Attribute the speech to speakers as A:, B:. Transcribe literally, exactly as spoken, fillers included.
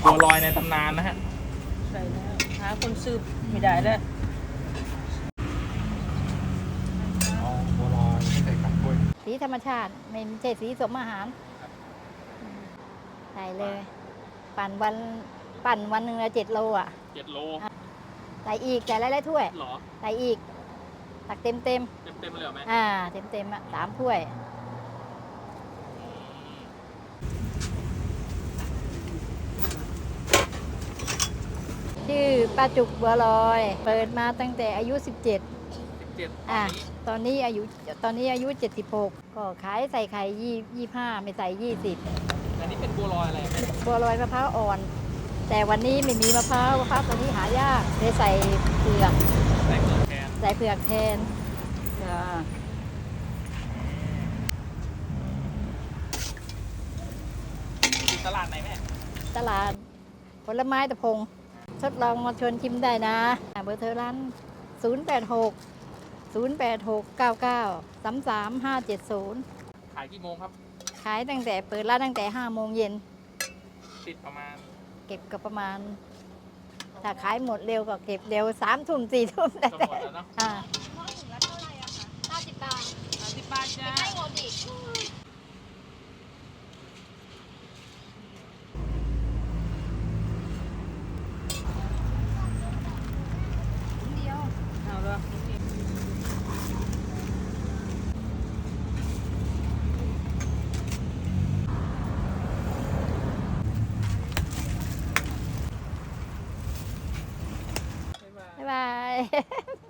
A: บัวลอยในตำนานนะฮะ
B: ใช่แล้วหาคนซื้อไม่ได้แล้ว
A: อ๋อบัวลอยไม่ใส่กากกล้วย
C: สีธรรมชาติไม่ใช่สีสมอาหารใส่เลย ปั่นวันปั่นวันหนึ่งละเจ็ดโลอ่ะ
A: เจ็ดโล
C: ใส่อีกใส่หลายๆถ้วย
A: หรอ
C: ใส่อีก ตักเต็มเต็ม
A: เต็มเต็มเลยเหรอแม่
C: อ่าเต็มเต็มอ่ะสามถ้วย ชื่อป้าจุกบัวลอย เปิดมาตั้งแต่อายุ สิบเจ็ด
A: สิบเจ็ดตอ
C: อ่ะ
A: นนี้
C: ตอนนี้อายุตอนนี้อายุ เจ็ดสิบหก ก็ขายใส่ไข่ยี่ยี่ห้าไม่ใส่ยี่สิบ
A: อันนี้เป็นบัวลอยอะไรแม่
C: บัวลอยมะพร้าวอ่อน แต่วันนี้ไม่มีมะพร้าวมะพร้าวตัวนี้หายากเลยใส่เผือก
A: ใส่เกลือแทน
C: ใส่เผือกแทนจ้า
A: อยู่ตลาดไหนแม่
C: ตลาดผลไม้ตะพงทดลองมาชวนชิมได้นะเบอร์โทรร้าน ศูนย์ แปด หก ศูนย์ แปด หก เก้า เก้า สาม สาม ห้า เจ็ด ศูนย์
A: ขายกี่โมงครับ
C: ขายตั้งแต่เปิดร้านตั้งแต่ห้าโมงเย็น
A: ปิดประมาณ
C: เก็บก็ประมาณ ถ้าขายหมดเร็วก็เก็บเร็วสามทุ่มสี่ทุ่มแต่
A: ก็ห
C: แต่
A: มดแล้วเนาะ
C: อ่า
B: ห้าสิบบาทจ้า